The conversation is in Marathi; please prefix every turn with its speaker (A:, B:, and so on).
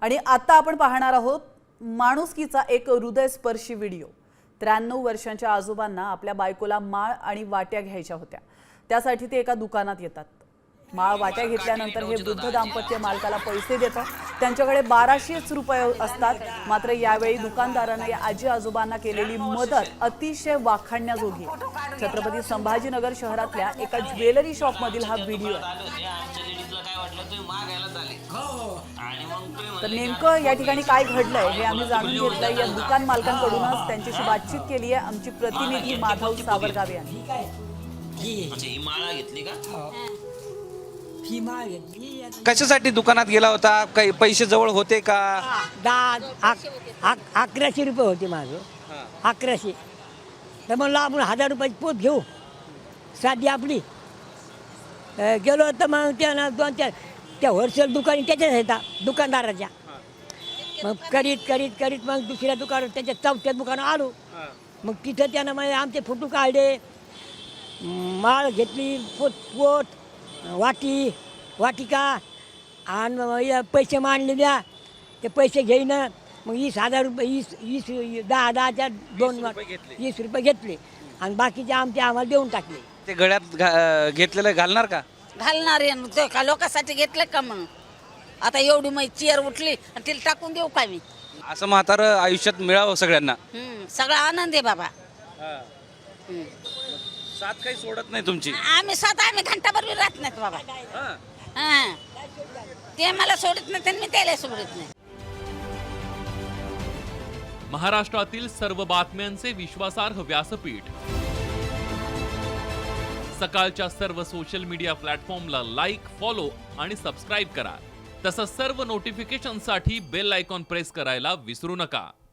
A: आणि आता आपण पाहणार आहोत माणुसकीचा एक हृदयस्पर्शी व्हिडिओ। 93 वर्षांच्या आजोबांना आपल्या बायकोला माळ आणि वाट्या घ्यायच्या होत्या। त्यासाठी ते एका दुकानात येतात। माळ वाट्या घेतल्यानंतर हे वृद्ध दाम्पत्य मालकाला पैसे देतात। त्यांच्याकडे 1200 रुपये असतात। मात्र यावेळी दुकानदाराने या आजी आजोबांना केलेली मदत अतिशय वाखाणण्याजोगी आहे। छत्रपती संभाजीनगर शहरातल्या एका ज्वेलरी शॉप मधील हा व्हिडिओ आहे। तर नेमकं या ठिकाणी काय घडलंय हे आम्ही जाणून घेतलंय। या दुकान मालकांकडूनच त्यांच्याशी बातचीत केली आहे आमची प्रतिनिधी माधव सावरगावे यांनी।
B: कशासाठी दुकानात गेला होता? काही पैसे जवळ होते का?
C: 1100 रुपये होते माझं। 1100 तर म्हणलं आपण 1000 रुपयाची पोत घेऊ साधी आपली। गेलो तर मग त्यानं 2-4 त्या होलसेल दुकानी त्याच्याच येतात दुकानदाराच्या। मग करीत मग दुसऱ्या दुकानात त्याच्या चौथ्या दुकानात आलो। मग तिथं त्यानं मग आमचे फोटो काढले, माळ घेतली, पोत वाटिका आणि पैसे मांडले द्या। ते पैसे घेईन मग 20,000 रुपये 10च्या 20 रुपये घेतले आणि बाकीचे आम्हाला देऊन टाकले।
B: ते गळ्यात घेतलेलं घालणार का?
D: घालणार आहे का लोकांसाठी घेतलं का? मग आता एवढी मग चेअर उठली आणि तिला टाकून देऊ का मी?
B: असं म्हातारं आयुष्यात मिळावं सगळ्यांना।
D: सगळा आनंद आहे बाबा।
B: साथ काही सोडत नाही तुमची?
D: आम्ही घंटाभर बी राहत नाहीत बाबा। ते मला सोडत नाही आणि मी त्याला सोडत नाही।
E: महाराष्ट्रातील सर्व बातम्यांचे विश्वासार्ह व्यासपीठ सकाळच्या सर्व सोशल मीडिया प्लॅटफॉर्मला लाईक, फॉलो आणि सबस्क्राईब करा। तसंच सर्व नोटिफिकेशनसाठी बेल आयकॉन प्रेस करायला विसरू नका।